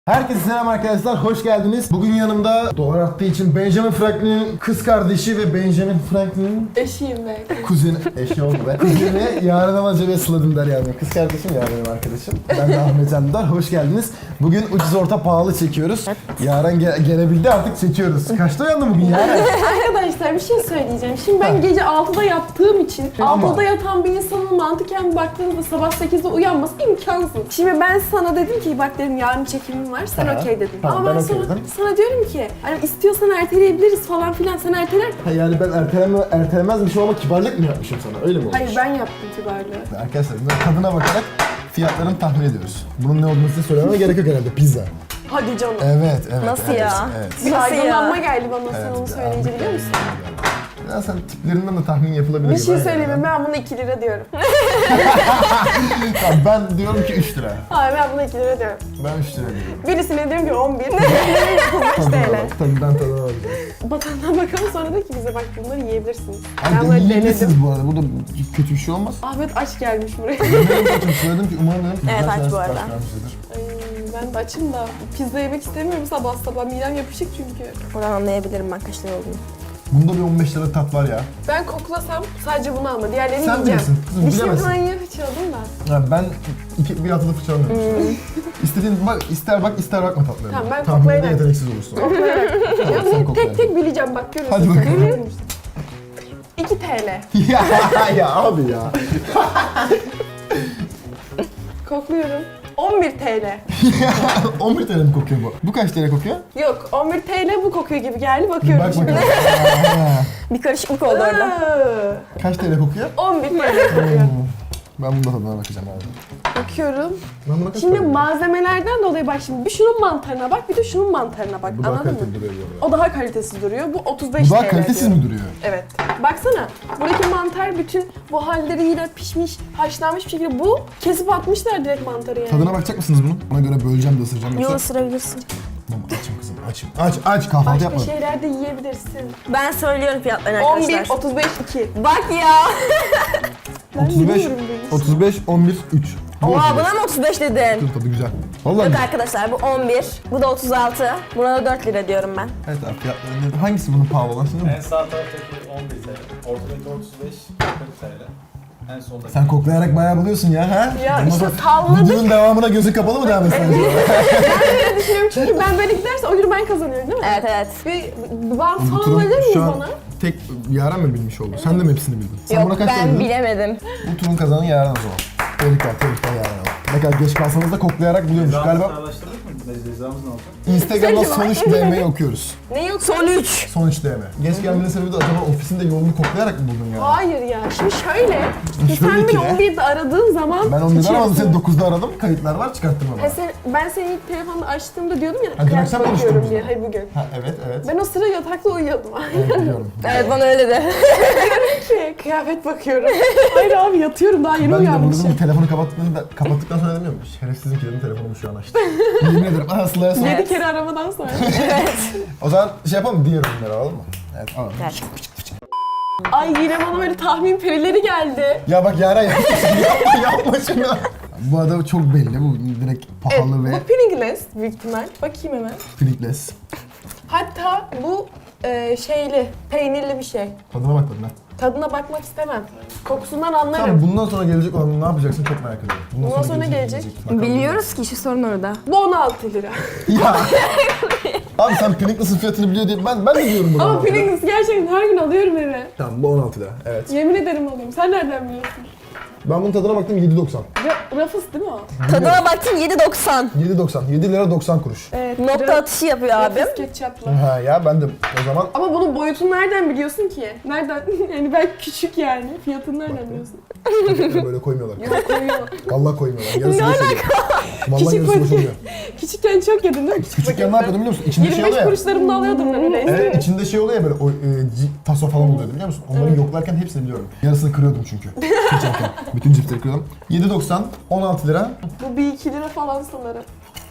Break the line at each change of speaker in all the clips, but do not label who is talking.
Herkese selam arkadaşlar, hoş geldiniz. Bugün yanımda dolar arttığı için Benjamin Franklin'in kız kardeşi ve Benjamin Franklin'in
Eşiyim ben.
kuzeni, eşi oldu be. Kuzeni Yaren Amaca ve Sıla Dündar yani. Kız kardeşim Yaren benim arkadaşım. Ben de Ahmet Can Dündar, hoş geldiniz. Bugün ucuz orta pahalı çekiyoruz. Yaren gelebildi artık çekiyoruz. Kaçta uyandın bugün Yaren?
Arkadaşlar bir şey söyleyeceğim. Şimdi ben gece 6'da yattığım için
Ama-
6'da yatan bir insanın mantıken baktığınızda sabah 8'de uyanması imkansız. Şimdi ben sana dedim ki bak dedim yarın çekimim var. Sen
Ha,
okey dedin.
tamam,
Ama
ben
ben
okey
sana,
dedim.
sana diyorum ki hani istiyorsan erteleyebiliriz falan filan. Sen erteler.
Ha, yani ben ertelemezmişim ama kibarlık mı yapmışım sana, öyle mi olmuş?
Hayır ben yaptım kibarlığı.
Arkadaşlar biz tadına bakarak fiyatlarını tahmin ediyoruz. Bunun ne olduğunu size söylememe gerek yok herhalde, pizza.
Hadi canım.
Evet, evet.
Nasıl
evet,
ya?
Evet.
Bir
Nasıl
aydınlanma
ya?
geldi bana sen onu söyleyince biliyor musun?
Ya sen tiplerinden de tahmin yapılabilir.
Bir
gibi.
şey
Aynen.
söyleyeyim mi? Ben buna 2 lira diyorum.
Tamam, ben diyorum ki 3 lira.
Hayır ben buna 2 lira diyorum.
Ben 3 lira diyorum.
Birisine diyorum ki 11. Birisine 35
Tadına
TL.
bak, tabii ben tadına bakacağım.
Bakandan bakalım sonra da ki bize bak bunları yiyebilirsiniz.
Abi
Ben böyle
yiyebilirsiniz
denedim.
bu arada, bu da kötü bir şey olmaz.
Ahmet aç gelmiş buraya.
Benim de söyledim ki umarım dedim.
Evet,
güzel
aç
şeyler
bu arada.
sipariş vermişizdir.
Ay, ben de açım da pizza yemek istemiyorum sabah sabah. Midem yapışık çünkü.
Oradan anlayabilirim ben kaç lira olduğunu.
Bunda bir 15 lira tat var ya.
Ben koklasam sadece bunu alma. Diğerlerini
Sen
yiyeceğim.
bilirsin kızım,
Dişimi
bilemezsin.
falan yine fırçaladım da.
Ya ben bir haftada fırçalamıyorum. İstediğin bak, ister bak ister bakma tatlarına.
Tamam, ben
Tahminde
koklayarak-
yeteneksiz olursun.
Koklayarak.
Tamam,
Ya
sen
bunu
kokla
tek tek bileceğim bak görürsün.
Hadi bakalım.
2 TL.
ya abi ya.
Kokluyorum. 11 TL.
11 TL mi kokuyor bu? Bu kaç TL kokuyor?
Yok 11 TL bu kokuyor gibi geldi
Bir
bakıyorum
bak
şimdi.
bakalım.
Bir karışıklık oldu orada.
Kaç TL kokuyor?
11 TL kokuyor.
Ben bunda tadına bakacağım abi.
Bakıyorum.
Ben buna kaç
Şimdi
para veriyorum?
malzemelerden dolayı bak şimdi bir şunun mantarına bak bir de şunun mantarına bak
Bu daha
anladın mı?
kaliteli duruyor bu arada.
O daha kalitesiz duruyor. Bu 35
Bu daha
TL
kalitesiz
diyor.
mi duruyor?
Evet. Baksana. Buradaki mantar bütün bu halleriyle pişmiş, haşlanmış bir şekilde. Bu kesip atmışlar direkt mantarı yani.
Tadına bakacak mısınız bunun? Ona göre böleceğim de ısıracağım
Yol
yoksa...
ısırabilirsin.
Tamam, açım kızım, açım. Aç, kahvaltı
Başka
yapmadım.
şeyler de yiyebilirsin.
Ben söylüyorum fiyatlarını
11,
arkadaşlar.
35, 2.
Bak ya.
Ben
35,
biliyorum bunu.
35, 11, 3. Bu
Oha
35.
buna mı 35 dedin?
Dur, tadı güzel. Vallahi
Yok
güzel.
arkadaşlar bu 11, bu da 36, buna da 4 lira diyorum ben.
Evet abi, fiyatları ne? Hangisi bunun pahalı olan şimdi?
En sağ taraftaki 11 TL, ortadaki 35, 40 TL. En sondaki.
Sen koklayarak bayağı buluyorsun ya, ha?
Ya
Ondan
işte
sonra
salladık.
Videonun devamına gözün kapalı mı devam etsen?
Ben düşünüyorum çünkü ben böyle giderse o gün ben kazanıyorum değil mi?
Evet evet.
Bir bant
Bu
falan
turun
verir miyiz
şu an
bana?
tek Yaren mi bilmiş oldu? Sen de mi hepsini bildin? Sen
Yok
buna kaç
ben
verdin?
bilemedim.
Bu turun kazananı Yaren o zaman. Tebrikler Yaren o. Ne kadar geç kalsanız da koklayarak buluyormuş galiba.
Araştırdık mı? Cezamız ne olacak?
Instagram'da
Söyle
son 3 DM'yi okuyoruz.
Ne yok?
Son 3.
Son 3 DM. Geç gelmenin sebebi de acaba ofisinde yolunu koklayarak mı buldun ya?
Hayır ya. Şimdi şöyle.
Şöyle
Sen
ki
beni
ne?
11'de aradığın zaman...
Ben 11'den aramadım,
içerisinde-
seni 9'da aradım. Kayıtlar var, çıkarttım ama.
Ben seni ilk telefonda açtığımda diyordum ya
Ha, dün
kıyafet
akşam konuştuk
bakıyorum
biz
diye.
onu.
Hayır bugün.
Ha, evet, evet.
Ben o sıra yatakta uyuyordum.
Evet, biliyorum.
Evet bana öyle de.
Kıyafet bakıyorum. Hayır abi yatıyorum daha yeni
Ben de bunu
uyanmışım.
telefonu kapattıktan sonra dedim ya, şerefsizin kilidini telefonumu şu an açtı. Yemin ederim, Aslı'ya sonra.
7 kere aramadan sonra.
O zaman şey yapalım mı? Diğer ürünleri alalım mı? Evet, alalım.
Evet.
Ay yine bana böyle tahmin perileri geldi.
Ya bak Yaren yapma şunu. Bu arada çok belli, bu direkt
Evet,
pahalı ve
bu Pringles büyük ihtimal. Bakayım hemen.
Pringles.
Hatta bu şeyli, peynirli bir şey.
Tadına bak tadına.
Tadına bakmak istemem. Kokusundan anlarım.
Tamam, bundan sonra gelecek olan ne yapacaksın çok merak ediyorum.
Bundan sonra ne gelecek?
Bakalım.
Biliyoruz ki işi sorun orada.
Bu 16 lira.
Ya. Abi sen Pringles'ın fiyatını biliyor diye ben de diyorum bunu.
Ama Pringles gerçekten her gün alıyorum eve.
Tamam, bu 16 lira. Evet.
Yemin ederim alıyorum. Sen nereden biliyorsun?
Ben bunun tadına baktım, 7.90.
Ya Ruffles değil mi o?
Tadına baktım 7.90.
7.90. 7 lira 90 kuruş.
Evet.
Nokta atışı yapıyor abim.
Ruffles ketçapla.
Ha ya, ben de o zaman
Ama bunun boyutunu nereden biliyorsun ki? Nereden? Yani ben küçük yani. Fiyatını nereden biliyorsun?
paketleri böyle koymuyorlar.
Yok koyuyor.
Vallahi koymuyorlar. Yarısı boş oluyor. Vallahi
Küçük
yarısı boş
paket.
oluyor.
Küçükken çok yedim değil mi?
Küçükken ne yapıyordum biliyor musun? İçinde şey
25
oluyor ya.
kuruşlarımda alıyordum ben öyle.
Evet, içinde şey oluyor ya böyle, taso falan oluyordu biliyor musun? Onları yoklarken hepsini biliyorum. Yarısını kırıyordum çünkü. Seçerken. Bütün cipsleri kırıyordum. 7.90, 16 lira.
Bu bir 2 lira falan sanırım.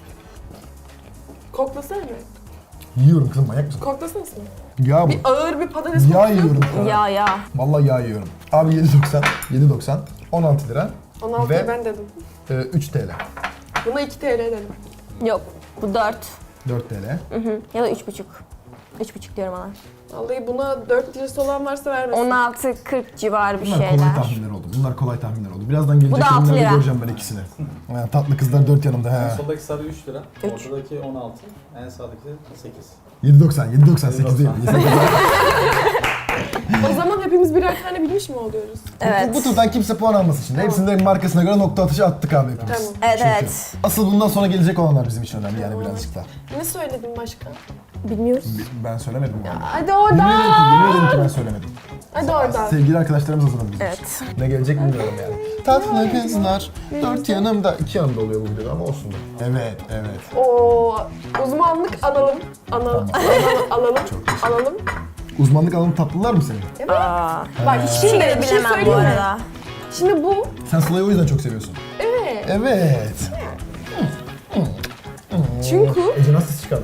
Koklasana mı?
Yiyorum kızım, manyak mısın?
Koklasana sen.
Yağ bu.
Bir ağır bir patates
Yağ
kokusu.
yiyorum.
Ya.
Vallahi yağ yiyorum. Abi 7.90, 7.90, 16 lira
16
Ve-
ben dedim.
3 TL.
Buna 2 TL dedim.
Yok. Bu 4.
4 TL.
Ya da 3,5. 3,5 diyorum ona.
Vallahi buna 4 lirası olan varsa vermesin.
16-40 civarı bir
Bunlar
şeyler.
kolay tahminler oldu. Bunlar kolay tahminler oldu. Birazdan gelecek
Bu da 6
ürünlerde
lira.
göreceğim ben ikisini. Yani tatlı kızlar 4 yanımda.
En
He.
sondaki sarı 3 lira.
Üç.
Ortadaki 16. En sağdaki 8.
7.98 değil.
7.90.
O zaman hepimiz birer tane bilmiş mi oluyoruz?
Evet.
Bu turdan kimse puan almasın şimdi. Hepsinin markasına göre nokta atışı attık abi hepimiz.
Tamam.
Evet,
Çünkü
evet.
asıl bundan sonra gelecek olanlar bizim için önemli yani birazcık da.
Ne söyledin başka?
Bilmiyoruz.
Ben söylemedim yani.
Hadi
Yemin ederim
oradan.
ki, yemin ederim ki ben söylemedim.
Hadi oradan.
Sevgili arkadaşlarımız hazırladı bizim için.
Evet.
Ne gelecek bilmiyorum yani. Tatlı kızlar, 4 yanımda, 2 yanımda oluyor bu videoda ama olsun da. Evet, evet.
Oo, uzmanlık alalım. Alalım. Alalım.
Uzmanlık alanı tatlılar mı senin?
Aa.
Bak
Hiçbir
şimdi
şey
bir şey
bilemem bu
söyleyeyim mi?
arada.
Şimdi bu,
Sen Sıla'yı o yüzden çok seviyorsun.
evet.
Evet.
Çünkü
Ece nasıl çıkardın?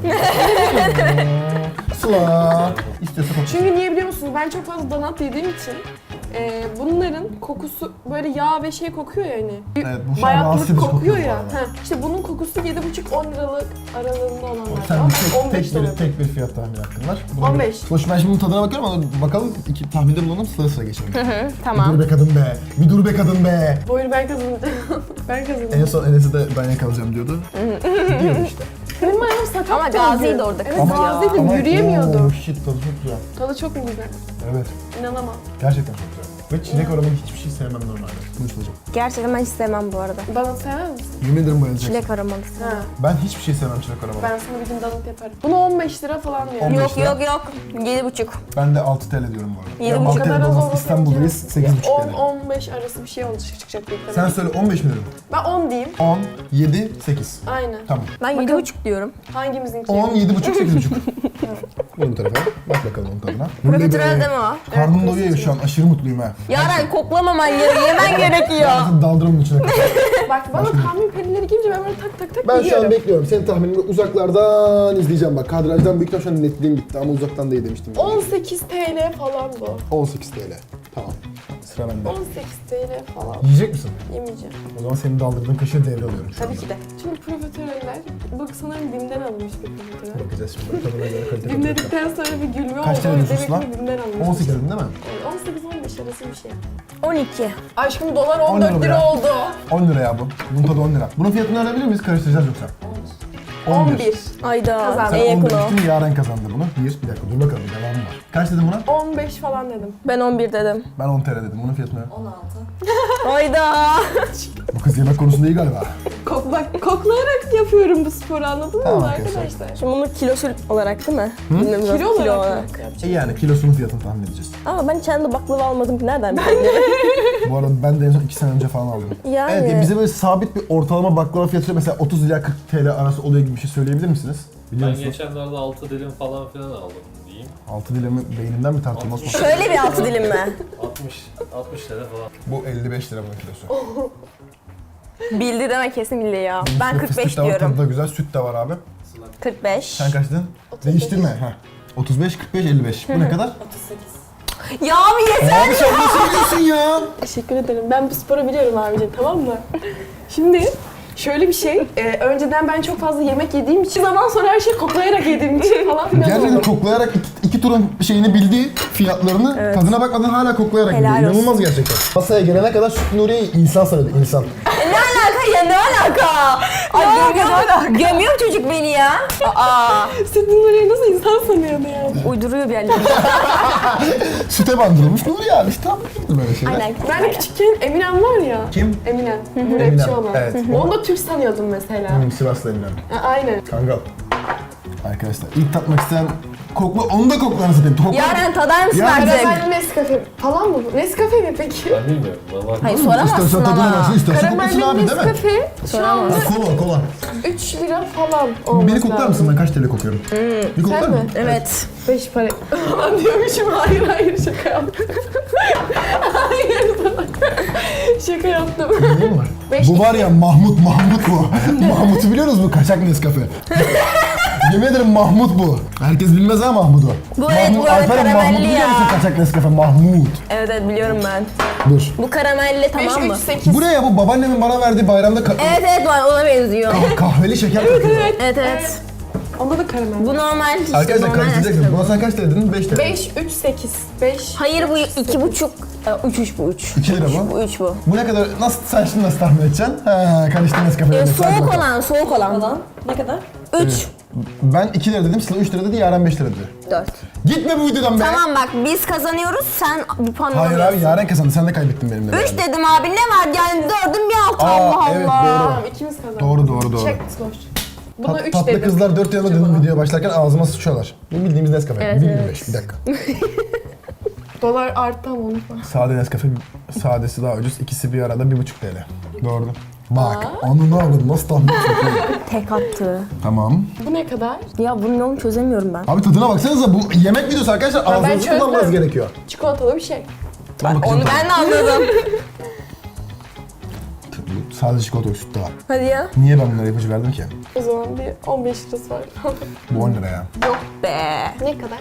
Sıla. İstiyorsa kokusu.
Çünkü niye biliyor musunuz? Ben çok fazla donat yediğim için bunların kokusu böyle yağ ve şey kokuyor ya hani.
Evet, bu şu an rahatsız edici
kokuyor
kokuyor
ya.
bu arada.
İşte bunun kokusu 7,5-10 liralık aralığında olanlar.
Sen
Ama
bir
15
tek,
dolar.
tek bir fiyat tahmini hakkın var.
15.
Hoş ben şimdi bunun tadına bakıyorum ama bakalım iki tahminde bulunalım sıra geçelim.
Tamam.
Bir dur be kadın be. Bir dur be kadın be.
Buyur ben kazanacağım. Ben
En
kazanacağım.
son Enes'e de ben yakalayacağım diyordu. Diyordu işte.
Benim ayağım sakat.
Ama Gazi'ydi orada
Evet
kız
Gazi'ydim.
Oo,
Yürüyemiyordum.
shit tadı çok güzel.
Tadı çok mu güzel?
Evet.
İnanamam.
Gerçekten çok güzel. Ve çilek aromalı hiçbir şey sevmem normalde. Konuşulacak.
Gerçekten ben hiç sevmem bu arada.
Bana sevmez misin?
Yemin ederim bayılacaksın.
Çilek aromalısı.
Ha.
Ben hiçbir şey sevmem çilek aromalı.
Ben sana bir gün donut yaparım. Bunu 15 lira falan diyor.
15
Yok
lira.
yok yok. 7,5.
Ben de 6 TL diyorum bu arada.
Yedi
Ya
buçuk
6 TL
kadar az
olmaz
olmasın
İstanbul'dayız
ki.
8,5 TL.
10-15 arası bir şey olacak çıkacak büyük
Sen
ihtimalle.
söyle 15 mi dedin?
Ben 10 diyeyim.
10, 7, 8.
Aynen.
Tamam.
Ben 7,5 diyorum.
Hangimizinki?
10, 7,5, 8,5. Bunu bu tarafa. Bak bakalım onun tadına.
Profiterol değil mi o?
Karnım doyuyor şu an. Aşırı mutluyum ha.
Yaren koklamaman gerekiyor. Yemen gerekiyor.
Ağzını daldırımın içine koy.
Bak bana tahmin perileri gelince ben böyle tak tak tak
Ben şu an
biliyorum.
bekliyorum. Senin tahminini uzaklardan izleyeceğim bak. Kadrajdan büyükten şu an netliğim bitti ama uzaktan değil demiştim.
18 TL falan bu.
18 TL. Tamam. Sıra bende.
18 TL falan.
Yiyecek misin?
Yemeyeceğim.
O zaman senin daldırdığın kaşığı devralıyorum şu
Tabii
anda.
ki de.
Çünkü profiteroller, bu sanırım BİM'den alınmış bir profiterol.
Bakacağız şimdi. Tadına göre kalite
BİM
bakacağız.
dedikten sonra bir gülme
Kaç
oldu.
TL diyorsun
Demek
lan?
ki BİM'den alınmış.
18 dedin değil mi?
18-15 arası bir şey.
12.
Aşkım dolar
10
14
lira
lira
ya.
oldu.
10 lira ya bu. Bunun tadı 10 lira. Bunun fiyatını öğrenebilir miyiz? Karıştıracağız yoksa.
11.
Ayda.
Kazandım.
En
Sen 10
yakın o.
demiştin, Yaren kazandı bunu. Bir dakika dur bakalım devamı var. Kaç dedin buna?
15 falan dedim.
Ben 11 dedim.
Ben 10 TL dedim. Bunun fiyatını öğren.
Ayda.
Bu kız yemek konusunda iyi galiba.
Bak koklayarak yapıyorum bu sporu anladınız
Tamam
mı
arkadaşlar.
arkadaşlar?
Şimdi bunu kilosu olarak değil mi? Bilmiyorum,
Kilo olarak mı yapacağım?
Yani kilosunun fiyatını tahmin edeceğiz.
Ama ben kendi baklava almadım ki nereden bilebilirim?
Bu arada ben de en son 2 sene önce falan aldım.
Yani.
Evet bize böyle sabit bir ortalama baklava fiyatı mesela 30 ila 40 TL arası oluyor gibi bir şey söyleyebilir misiniz? Biliyor
Ben
musunuz?
geçenlerde 6 dilim falan filan aldım diyeyim.
6 dilimi beynimden mi tartılmaz mı?
Şöyle bir 6 dilim mi?
60 lira falan.
Bu 55 lira bunun kilosu.
Bildi deme kesin bildi ya. Ben
Fıstık
45
da var,
diyorum.
tadı da güzel, süt de var abi.
45.
Sen kaç dedin? Değiştirme. Ha. 35, 45, 55. Bu ne kadar?
Ya abi yeter.
Abi sen nasıl biliyorsun ya?
Teşekkür ederim. Ben bu sporu biliyorum abicim tamam mı? Şimdi şöyle bir şey, önceden ben çok fazla yemek yediğim için zaman sonra her şeyi koklayarak yediğim için falan filan
Gerçekten
oldu.
koklayarak iki turun şeyini bildi, fiyatlarını,
Evet.
tadına bakmadan hala koklayarak
Helal
biliyor.
olsun.
İnanılmaz gerçekten. Masaya gelene kadar Süt Nuriye'yi insan sanıyordu, insan.
Ne alaka ya ne alaka? Ay gömüyor çocuk beni ya. Aa.
Sütün orayı nasıl insan sanıyordu yani?
Uyduruyor bir yerleri.
Süte bandırılmış Nuriye abi işte tam böyle şeyler.
Aynen.
Ben de küçükken Eminem var ya.
Kim?
Eminem. Bu
Eminem,
rapçi olan.
evet.
Onu da Türk sanıyordum mesela.
Sivaslı Eminem.
Aynen.
Kangal. Arkadaşlar ilk tatmak isteyen kokla, onu da koklarını satayım. Kokla.
Yaren tadar mısın
Ya
artık?
Karamelli Nescafe falan mı bu? Nescafe mi peki?
Ben bilmiyorum. Vallahi
Hayır
İstersen
soramazsın
tadına
ama.
baksın, istersen koklasın
Karamelli
abi değil mi?
Nescafe şu anda
Ha, kola, kola.
3 lira falan olması
Beni koklar mısın? Ben kaç TL kokuyorum? Bir koklar
Sen
mı?
mi?
Evet.
5 para falan diyormuşum. Hayır şaka yaptım. Hayır şaka yaptım.
Neyim var?
Beş
Bu var ya Mahmut bu. Mahmut'u biliyorsunuz mu? Kaçak Nescafe. Yemin ederim Mahmut bu. Herkes bilmez ha Mahmut'u.
Bu evet, bu arada
Alperen
karamelli
Mahmut biliyor
ya.
musun kaçak Nescafe? Mahmut.
Evet evet biliyorum ben.
Dur.
Bu karamelli
5,
tamam
3,
mı?
8.
Bu ne ya? Bu babaannemin bana verdiği bayramda
Evet evet var ona benziyor.
kahveli şeker takıyor.
Evet evet.
Onda da karamel.
Bu normal işte
Arkadaşlar
normal
karıştıracaksın.
Nescafe.
Buna sen kaç lira dedin? 5 lira.
5, 3, 8. 5.
Hayır bu 2,5. 3 bu 3.
2 lira bu.
Bu 3 bu.
Bu ne kadar? Nasıl sen şimdi nasıl tahmin edeceksin? He, karıştı Nescafe'yle.
Soğuk olan.
Ne kadar?
3.
Ben 2 lira dedim, Sıla 3 lira dedi, Yaren 5 lira dedi.
4.
Gitme bu videodan be.
Tamam bak biz kazanıyoruz sen bir puan
Hayır
alıyorsun.
abi Yaren kazandı, sen de kaybettin benimle.
3
beraber.
dedim abi ne var yani 4'ün bir altı
Aa,
Allah
evet,
Allah.
doğru.
Tamam ikimiz kazandık.
Doğru.
Çek boş. Buna 3
Tatlı
dedim.
kızlar 4 yanıma dedim videoya başlarken ağzıma sıçıyorlar. Bu bildiğimiz Nescafe.
Evet,
1.25 bir dakika.
Dolar arttı ama unutma.
Sade Nescafe, sadesi daha ucuz. İkisi bir arada 1.5 TL. Doğru. Bak, onu ne oldu? Nasıl tahmin ediyorsun?
Tek attı.
Tamam.
Bu ne kadar?
Ya bunun yolunu çözemiyorum ben.
Abi tadına baksanıza, bu yemek videosu arkadaşlar, ağzınızı
çözdüm.
kullanmanız gerekiyor.
Çikolatalı bir şey.
Ben
Onu ben de anladım.
Sadece çikolata yok, süt de var.
Hadi ya.
Niye ben bunları ipucu verdim ki?
O zaman bir 15 lirası var.
Bu 10 lira ya.
Be.
Ne kadar?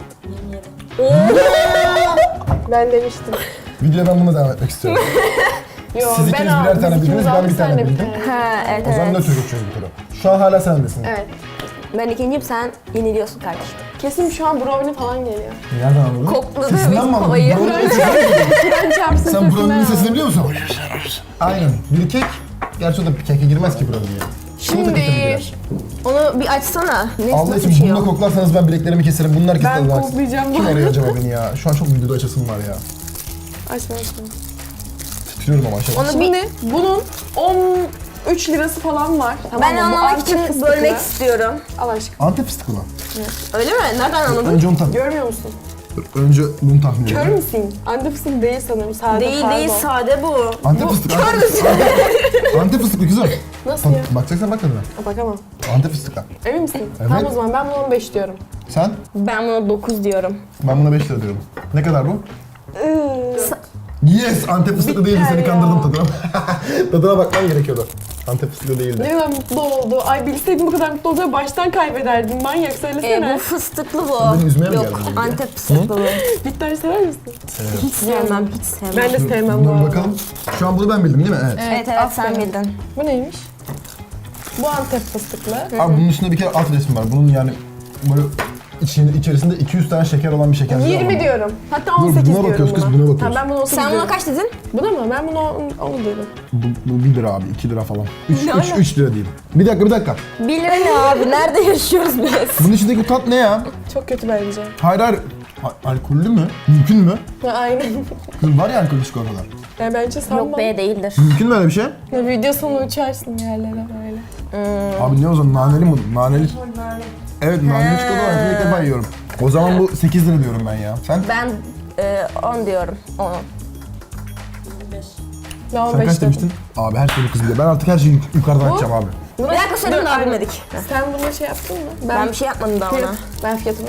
Ben demiştim.
Videoya ben bununla devam etmek istiyorum.
Yo,
Siz ikiniz birer tane
biz
bildiniz,
ikimiz
ben
aldık,
bir tane
sen de bir
bildim.
tane.
Ha evet
O zaman
evet.
nötr geçiyoruz bu turu. Şu an hala sendesin.
Evet.
Ben ikinciyim sen yeniliyorsun kardeşim.
Kesin şu an brownie falan geliyor.
Nereden anladın?
Kokladı
Sesinden mi anladın?
kovayı.
Brownie'nin sesini mi duydun?
Kur'an çarpsın
Sen
sesinden
brownie'nin
al.
sesini biliyor musun? Aynen. Bir kek. Gerçi o da bir keke girmez ki brownie'ye. Çikolata keke mi girer?
Onu bir açsana. Ne
Allah
nasıl
için
bir şey
bununla
o?
koklarsanız ben bileklerimi keserim. Bunlar kesin
Ben
Allah'a-
koklayacağım
Kim
bu.
arıyor acaba beni ya? Şu an çok videoda açasım var ya.
Açma.
Titriyorum ama aşağıda.
Onu bir
Şimdi bunun 13 lirası falan var. Tamam
ben
mı? Bu
anlamak
Antep
için
fıstıklı.
bölmek istiyorum.
Allah aşkına.
Antep fıstıklı mı?
Öyle mi? Nereden anladın?
Önce onu tahmin
Görmüyor musun?
Önce bunu tahmin
Kör
edelim.
müsün? Antep fıstığı değil sanırım. Sade
Değil
pardon.
değil sade bu.
Antep fıstıklı. Antep fıstıklı kızım.
Nasıl ya?
Bakacaksan bak tadına.
Bakamam.
Antep fıstıklı.
Emin misin?
Evet.
Tamam o zaman ben buna 15 diyorum.
Sen?
Ben buna 9 diyorum.
Ben buna 5 lira diyorum. Ne kadar bu? Yes! Antep fıstıklı değildi, seni
ya.
kandırdım tadına. Tadına bakman gerekiyordu. Antep fıstıklı değildi.
Ne kadar mutlu oldu. Ay bilseydim bu kadar mutlu olacağını baştan kaybederdim. Manyak söylesene.
Bu fıstıklı bu.
Beni üzmeye mi
Yok
geldin buraya?
Antep fıstıklı bu.
Bitter sever misin?
Hiç sevmem hiç sevmem.
Ben de sevmem bu
Dur
arada.
bakalım. Şu an bunu ben bildim değil mi? Evet.
Evet evet sen
aferin.
bildin.
Bu neymiş? Bu Antep fıstıklı.
Abi bunun üstünde bir kere alt resim var. Bunun yani böyle içerisinde 200 tane şeker olan bir şeker.
20 diyorum. Hatta
Dur,
18
buna
diyorum
bakıyoruz kız,
buna.
buna bakıyoruz.
Tamam ben bunu 18
Sen buna
diyorum.
kaç dedin?
Buna mı? Ben bunu 10 dedim.
Bu 1 lira abi, 2 lira falan.
Ne ala?
3 lira diyeyim. Bir dakika.
1 lira ne abi? Nerede yaşıyoruz biz?
Bunun içindeki bu tat ne ya?
Çok kötü bence.
Hayır. Alkollü mü? Mümkün mü?
Ha, aynen.
Kız var ya alkollü çikolatalar.
Yani bence sanmam.
Yok be değildir.
Mümkün mü öyle bir şey?
Ya video sonu uçarsın yerlere böyle.
Abi ne o zaman? Naneli mi? Naneli. Evet, naneli çikolata var. İlk defa yiyorum. O zaman bu 8 lira diyorum ben ya. Sen?
Ben 10 diyorum. 10.
Ben
Sen
15
kaç
dedim.
demiştin? Abi her şeyi kız biliyor. Ben artık her şeyi yukarıdan açacağım abi.
Bir dakika söyledim daha bilmedik.
Sen buna şey yaptın mı?
Ben bir şey yapmadım daha ona.
Ben fiyatını.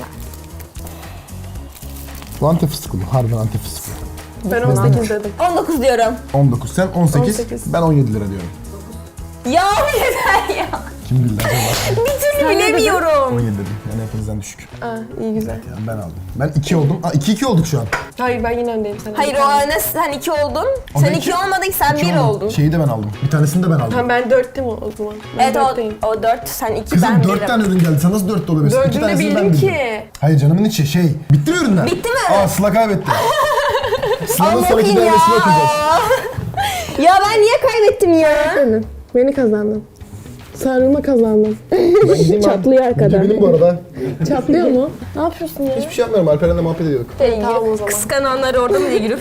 Bu Antep fıstıklı mı? Harbiden Antep fıstıklı.
Ben 18 dedim.
19 diyorum.
19, sen 18,
18.
ben 17 lira diyorum.
Ya yeter ya.
Kim bildi acaba?
Bir türlü bilemiyorum.
17 dedim. Yani hepinizden düşük.
Aa iyi güzel.
Yani ben aldım. Ben 2 oldum. 2-2 olduk şu an.
Hayır ben yine öndeyim sana.
Hayır o ne sen 2 oldun.
O da
Sen
iki.
2 olmadın ki sen 1 oldun.
Şeyi de ben aldım. Bir tanesini de ben aldım.
Tamam ben 4'tüm o zaman. Ben
Evet
4'teyim.
o 4 sen 2
Kızım
ben
4
1'im.
tane dedin geldi. Sen nasıl 4 de olabilirsin? 2
Dördünü de
tanesini ben
bildim
bildim.
ki.
Hayır canımın içi şey. Bitti mi ürünler?
Bitti mi?
Aa Sıla kaybetti. Sıla'nın sonraki
Allah'ım ya.
denemesini okuyacağız.
Ya ben niye kaybettim ya?
Beni kazandın. Sarılma kazandım.
Ben gideyim
Çatlıyor arkadan.
Benim bu arada.
Çatlıyor mu? Ne yapıyorsun ya?
Hiçbir şey yapmıyorum. Alperen'le muhabbet ediyorduk.
Tamam o zaman.
Kıskananlar orada mı diye girip?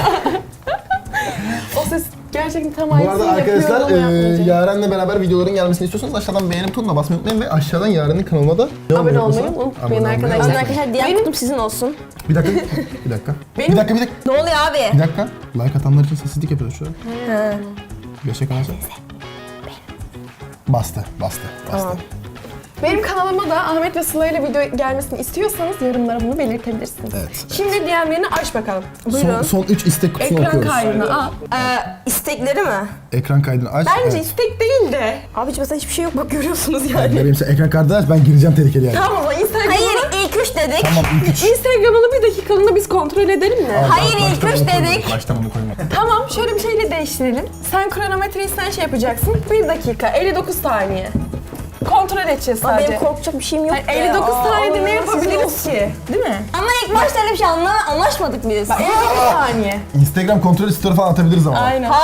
O ses gerçekten tam
Bu
aynısını
arada
yapıyor
arkadaşlar
ama yapmayacak.
Yaren'le beraber videoların gelmesini istiyorsanız aşağıdan beğeni butonuna basmayı unutmayın ve aşağıdan Yaren'in kanalına da
Abone olmayı unutmayın arkadaşlar.
Onun arkadaşlar diğer kutum sizin olsun.
Bir dakika. Bir dakika.
Benim-
Bir dakika.
Ne oluyor abi?
Bir dakika. Like atanlar için sessizlik yapıyoruz şu an.
Ha.
5'e kalacak. Bastı.
Tamam.
Benim kanalıma da Ahmet ve Sıla ile video gelmesini istiyorsanız yorumlara bunu belirtebilirsiniz.
Evet.
Şimdi DM'lerini aç bakalım. Buyurun.
Son 3 istek kutusunu
Ekran
okuyoruz.
kaydını al.
İstekleri mi?
Ekran kaydını aç.
Bence
evet.
istek değil de. Abiciğim mesela hiçbir şey yok bak görüyorsunuz yani.
Benim sen ekran kaydını aç, ben gireceğim tehlikeli yani.
Tamam o zaman Instagram'ını...
Hayır ilk 3 dedik.
Tamam ilk 3.
Instagram'ını bir dakikalığına biz kontrol edelim mi?
Hayır, ilk üç dedik.
Baştan onu koyma.
Tamam şöyle bir şeyle değiştirelim. Sen kronometreyi sen şey yapacaksın. 1 dakika 59 saniye. Kontrol edeceğiz
Ama
sadece.
benim korkacak bir şeyim yok.
Hayır, 59 saniyede ne yapabiliriz ki? Değil mi?
Ama ilk başta öyle bir şey anlaşmadık biz.
59 saniye.
Instagram kontrolü story falan atabiliriz ama.
Aynen.